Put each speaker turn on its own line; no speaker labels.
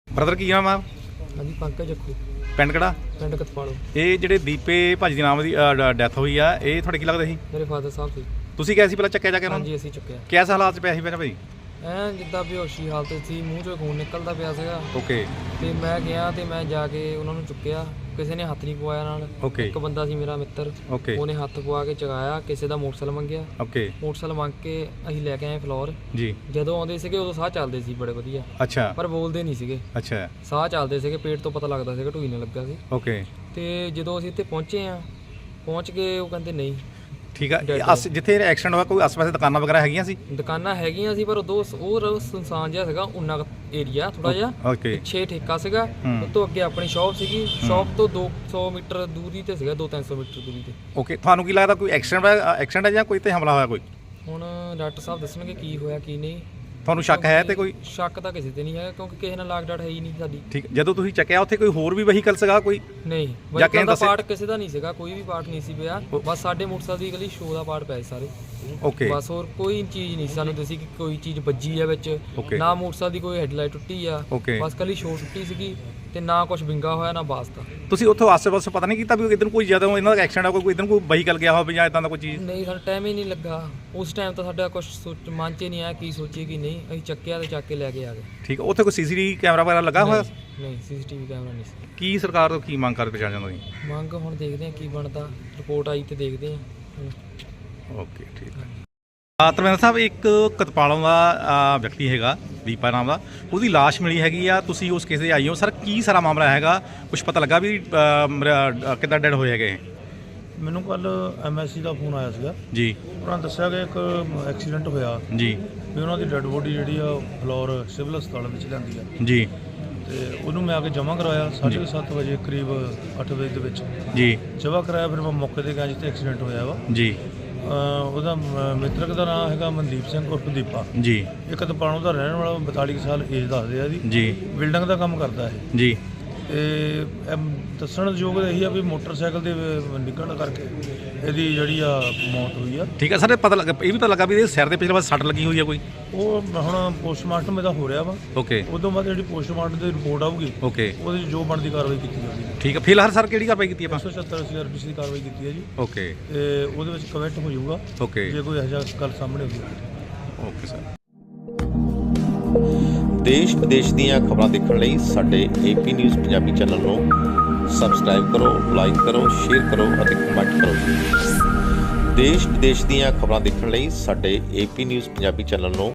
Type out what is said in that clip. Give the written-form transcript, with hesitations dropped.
Brother ਕੀ ਨਾਮ ਆ?
ਹਾਂਜੀ ਪੰਕਜ ਜੱਖੂ,
ਪਿੰਡ ਕਿਹੜਾ?
ਪਿੰਡ ਕਤਪਾਲੋ।
ਇਹ ਜਿਹੜੇ ਦੀਪੇ ਭਾਜੀ ਦੇ ਨਾਮ ਦੀ ਡੈਥ ਹੋਈ ਆ, ਇਹ ਤੁਹਾਡੇ ਕੀ ਲੱਗਦਾ ਸੀ?
ਮੇਰੇ ਫਾਦਰ ਸਾਹਿਬ ਸੀ।
ਤੁਸੀਂ ਕਿਹਾ ਸੀ ਪਹਿਲਾਂ ਚੱਕਿਆ ਜਾ ਕੇ ਉਹਨਾਂ ਨੂੰ?
ਹਾਂਜੀ ਅਸੀਂ ਚੁੱਕਿਆ।
ਕਿਸ ਹਾਲਾਤ 'ਚ ਪਿਆ ਸੀ ਪਹਿਲਾਂ ਭਾਈ?
ਐਂ ਜਿੱਦਾਂ ਬੇਹੋਸ਼ੀ ਹਾਲਤ ਸੀ, ਮੂੰਹ 'ਚੋਂ ਖੂਨ ਨਿਕਲਦਾ ਪਿਆ ਸੀਗਾ।
ਓਕੇ।
ਤੇ ਮੈਂ ਗਿਆ ਤੇ ਮੈਂ ਜਾ ਕੇ ਉਹਨਾਂ ਨੂੰ ਚੁੱਕਿਆ, ਕਿਸੇ ਨੇ ਹੱਥ ਨਹੀਂ ਪਵਾਇਆ ਨਾਲ।
ਓਕੇ।
ਇੱਕ ਬੰਦਾ ਸੀ ਮੇਰਾ ਮਿੱਤਰ,
ਓਕੇ।
ਉਹਨੇ ਹੱਥ ਪਵਾ ਕੇ ਚਗਾਇਆ, ਕਿਸੇ ਦਾ ਮੋਟਰਸਾਈਕਲ ਮੰਗਿਆ।
ਓਕੇ।
ਮੋਟਰਸਾਈਕਲ ਮੰਗ ਕੇ ਅਸੀਂ ਲੈ ਕੇ ਆਏ ਫਲੋਰ
ਜੀ।
ਜਦੋਂ ਆਉਂਦੇ ਸੀਗੇ ਉਦੋਂ ਸਾਹ ਚੱਲਦੇ ਸੀ ਬੜੇ ਵਧੀਆ,
ਅੱਛਾ।
ਪਰ ਬੋਲਦੇ ਨਹੀਂ ਸੀਗੇ।
ਅੱਛਾ।
ਸਾਹ ਚੱਲਦੇ ਸੀਗੇ, ਪੇਟ ਤੋਂ ਪਤਾ ਲੱਗਦਾ ਸੀਗਾ ਢੂਈ ਨਾਲ ਲੱਗਾ ਸੀ।
ਓਕੇ।
ਤੇ ਜਦੋਂ ਅਸੀਂ ਇੱਥੇ ਪਹੁੰਚ ਕੇ ਉਹ ਕਹਿੰਦੇ ਨਹੀਂ।
ਠੀਕ ਆ। ਜਿੱਥੇ ਐਕਸੀਡੈਂਟ ਹੋਇਆ ਕੋਈ ਆਸ-ਪਾਸੇ ਦੁਕਾਨਾਂ ਵਗੈਰਾ ਹੈਗੀਆਂ ਸੀ?
ਦੁਕਾਨਾਂ ਹੈਗੀਆਂ ਸੀ, ਪਰ ਉਹ ਸੁਨਸਾਨ ਜਿਹਾ ਸੀਗਾ, ਉਨਾ ਏਰੀਆ ਥੋੜਾ ਜਿਹਾ।
ਓਕੇ।
ਪਿੱਛੇ ਠੇਕਾ ਸੀਗਾ, ਉਸ ਤੋਂ ਅੱਗੇ ਆਪਣੀ ਸ਼ਾਪ ਸੀਗੀ। ਸ਼ਾਪ ਤੋਂ 200 ਮੀਟਰ ਦੂਰੀ ਤੇ ਸੀਗਾ, 200-300 ਮੀਟਰ ਦੂਰੀ ਤੇ।
ਓਕੇ। ਤੁਹਾਨੂੰ ਕੀ ਲੱਗਦਾ ਕੋਈ ਐਕਸੀਡੈਂਟ ਹੈ ਜਾਂ ਕੋਈ ਤੇ ਹਮਲਾ ਹੋਇਆ ਕੋਈ?
ਹੁਣ ਡਾਕਟਰ ਸਾਹਿਬ ਦੱਸਣਗੇ ਕੀ ਹੋਇਆ ਕੀ ਨਹੀਂ।
ਤੁਹਾਨੂੰ ਸ਼ੱਕ ਹੈ ਤੇ ਕੋਈ?
ਸ਼ੱਕ ਤਾਂ ਕਿਸੇ ਤੇ ਨਹੀਂ ਹੈਗਾ, ਕਿਉਂਕਿ ਕਿਸੇ ਨਾਲ ਲਾਗ ਡਾਟ ਹੈ ਹੀ ਨਹੀਂ ਸਾਡੀ।
ਠੀਕ। ਜਦੋਂ ਤੁਸੀਂ ਚੱਕਿਆ ਉੱਥੇ ਕੋਈ ਹੋਰ ਵੀ ਵਹੀਕਲ ਸੀਗਾ ਕੋਈ?
ਨਹੀਂ, ਵਹੀਕਲ ਦਾ ਪਾਰਟ ਕਿਸੇ ਦਾ ਨਹੀਂ ਸੀਗਾ, ਕੋਈ ਵੀ ਪਾਰਟ ਨਹੀਂ ਸੀ ਪਿਆ। ਬਸ ਸਾਡੇ ਮੋਟਰਸਾਈਕਲ ਦੀ ਇਕੱਲੀ ਸ਼ੋ ਦਾ ਪਾਰਟ ਪਿਆ ਸੀ ਸਾਰੇ।
ਓਕੇ।
ਬਸ ਹੋਰ ਕੋਈ ਚੀਜ਼ ਨਹੀਂ ਸੀ ਸਾਨੂੰ ਦੱਸੀ ਕਿ ਕੋਈ ਚੀਜ਼ ਵੱਜੀ ਆ ਵਿੱਚ। ਨਾ ਮੋਟਰਸਾਈਕਲ ਦੀ ਕੋਈ ਹੈਡਲਾਈਟ ਟੁੱਟੀ ਆ, ਬਸ ਇਕੱਲੀ ਸ਼ੋ ਟੁੱਟੀ ਸੀਗੀ, ਤੇ ਨਾ ਕੁਝ ਵਿੰਗਾ ਹੋਇਆ ਨਾ ਵਾਸਤਾ।
ਤੁਸੀਂ ਉੱਥੋਂ ਆਸੇ-ਪਾਸੇ ਪਤਾ ਨਹੀਂ ਕੀਤਾ ਵੀ ਇਧਰ ਕੋਈ ਜਦੋਂ ਇਹਨਾਂ ਦਾ ਐਕਸੀਡੈਂਟ ਆ ਕੋਈ ਇਧਰ ਕੋਈ ਵਹੀਕਲ ਗਿਆ ਹੋਵੇ ਜਾਂ ਇਦਾਂ ਦਾ ਕੋਈ ਚੀਜ਼?
ਨਹੀਂ, ਸਾਨੂੰ ਟਾਈਮ ਹੀ ਨਹੀਂ ਲੱਗਾ ਉਸ ਟਾਈਮ ਤਾਂ ਸਾਡਾ ਕੁਝ ਮਨ 'ਚ ਨਹੀਂ ਆਇਆ ਕੀ ਸੋਚੀਏ ਕੀ ਨਹੀਂ। ਅਸੀਂ ਚੱਕਿਆ ਤੇ ਚੱਕ ਕੇ ਲੈ ਕੇ ਆ ਗਏ।
ਠੀਕ। ਉੱਥੇ ਕੋਈ ਸੀਸੀਟੀਵੀ ਕੈਮਰਾ ਵਗੈਰਾ ਲੱਗਾ ਹੋਇਆ?
ਨਹੀਂ, ਸੀਸੀਟੀਵੀ ਕੈਮਰਾ ਨਹੀਂ ਸੀ।
ਕੀ ਸਰਕਾਰ ਤੋਂ ਕੀ ਮੰਗ ਕਰ ਪਛਾਣ ਜਾਂਦਾ ਜੀ?
ਮੰਗ ਹੁਣ ਦੇਖਦੇ ਹਾਂ ਕੀ ਬਣਦਾ, ਰਿਪੋਰਟ ਆਈ ਤੇ ਦੇਖਦੇ ਹਾਂ।
ਓਕੇ। ਠੀਕ ਹੈ। ਧਰਮਿੰਦਰ ਸਾਹਿਬ, ਇੱਕ ਕਤਪਾਲੋਂ ਦਾ ਵਿਅਕਤੀ ਹੈਗਾ ਦੀਪਾ ਨਾਮ ਦਾ, ਉਹਦੀ ਲਾਸ਼ ਮਿਲੀ ਹੈਗੀ ਆ, ਤੁਸੀਂ ਉਸ ਕੇਸ 'ਤੇ ਆਈ ਹੋ ਸਰ, ਕੀ ਸਾਰਾ ਮਾਮਲਾ ਹੈਗਾ? ਕੁਝ ਪਤਾ ਲੱਗਾ ਵੀ ਕਿੱਦਾਂ ਡੈਡ ਹੋਏ ਹੈਗੇ?
ਮੈਨੂੰ ਕੱਲ MSC ਦਾ ਫੋਨ ਆਇਆ ਸੀਗਾ
ਜੀ।
ਉਹਨਾਂ ਨੇ ਦੱਸਿਆ ਕਿ ਇੱਕ ਐਕਸੀਡੈਂਟ ਹੋਇਆ
ਜੀ।
ਵੀ ਉਹਨਾਂ ਦੀ ਡੈੱਡ ਬੋਡੀ ਜਿਹੜੀ ਆ ਫਲੋਰ ਸਿਵਲ ਹਸਪਤਾਲ ਵਿੱਚ ਲਿਆਂਦੀ ਆ
ਜੀ।
ਤੇ ਉਹਨੂੰ ਮੈਂ ਆ ਕੇ ਜਮ੍ਹਾਂ ਕਰਵਾਇਆ 7:30 ਵਜੇ ਕਰੀਬ 8 ਵਜੇ ਦੇ ਵਿੱਚ
ਜੀ।
ਜਮ੍ਹਾਂ ਕਰਾਇਆ। ਫਿਰ ਮੈਂ ਮੌਕੇ 'ਤੇ ਗਿਆ ਜਿੱਥੇ ਐਕਸੀਡੈਂਟ ਹੋਇਆ ਵਾ।
ਜੀ।
ਉਹਦਾ ਮਿੱਤਰਕ ਦਾ ਨਾਮ ਹੈਗਾ ਮਨਦੀਪ ਸਿੰਘ ਉਰਫ ਦੀਪਾ।
ਜੀ।
ਇੱਕ ਤਪਾਣੋਂ ਦਾ ਰਹਿਣ ਵਾਲਾ, 42 ਸਾਲ ਏਜ ਦੱਸਦੇ ਆ ਇਹਦੀ।
ਜੀ।
ਬਿਲਡਿੰਗ ਦਾ ਕੰਮ ਕਰਦਾ ਇਹ।
ਜੀ।
ਤੇ ਦੱਸਣ ਯੋਗ ਇਹੀ ਆ ਵੀ ਮੋਟਰਸਾਈਕਲ ਦੇ ਨਿਕਲਣ ਕਰਕੇ ਇਹਦੀ ਜਿਹੜੀ ਆ ਮੌਤ ਹੋਈ ਆ।
ਠੀਕ ਹੈ ਸਰ। ਪਤਾ ਲੱਗਾ, ਇਹ ਵੀ ਪਤਾ ਲੱਗਾ ਵੀ ਇਹਦੇ ਸਿਰ ਦੇ ਪਿਛਲੇ ਪਾਸੇ ਸੱਟ ਲੱਗੀ ਹੋਈ ਆ ਕੋਈ?
ਉਹ ਹੁਣ ਪੋਸਟਮਾਰਟਮ ਇਹਦਾ ਹੋ ਰਿਹਾ ਵਾ।
ਓਕੇ।
ਉਦੋਂ ਬਾਅਦ ਜਿਹੜੀ ਪੋਸਟਮਾਰਟਮ ਦੀ ਰਿਪੋਰਟ ਆਊਗੀ,
ਓਕੇ,
ਉਹਦੇ 'ਚ ਜੋ ਬਣਦੀ ਕਾਰਵਾਈ ਕੀਤੀ ਜਾਊਗੀ।
ਠੀਕ ਹੈ। ਫਿਲਹਾਲ ਸਰ ਕਿਹੜੀ ਕਾਰਵਾਈ ਕੀਤੀ ਆਪਾਂ?
177 ਰੁਪਏ ਦੀ ਕਾਰਵਾਈ ਕੀਤੀ ਹੈ ਜੀ।
ਓਕੇ।
ਤੇ ਉਹਦੇ ਵਿੱਚ ਕਮੈਂਟ ਹੋ ਜਾਊਗਾ
ਓਕੇ।
ਜੇ ਕੋਈ ਇਹੋ ਜਿਹਾ ਗੱਲ ਸਾਹਮਣੇ ਆਉਂਦੀ।
Okay sir.
ਦੇਸ਼ ਵਿਦੇਸ਼ ਦੀਆਂ ਖਬਰਾਂ ਦੇਖਣ ਲਈ ਸਾਡੇ AP ਨਿਊਜ਼ ਪੰਜਾਬੀ ਚੈਨਲ ਨੂੰ ਸਬਸਕ੍ਰਾਈਬ ਕਰੋ, ਲਾਈਕ ਕਰੋ, ਸ਼ੇਅਰ ਕਰੋ ਅਤੇ ਕਮੈਂਟ ਕਰੋ। ਦੇਸ਼ ਵਿਦੇਸ਼ ਦੀਆਂ ਖਬਰਾਂ ਦੇਖਣ ਲਈ ਸਾਡੇ AP ਨਿਊਜ਼ ਪੰਜਾਬੀ ਚੈਨਲ ਨੂੰ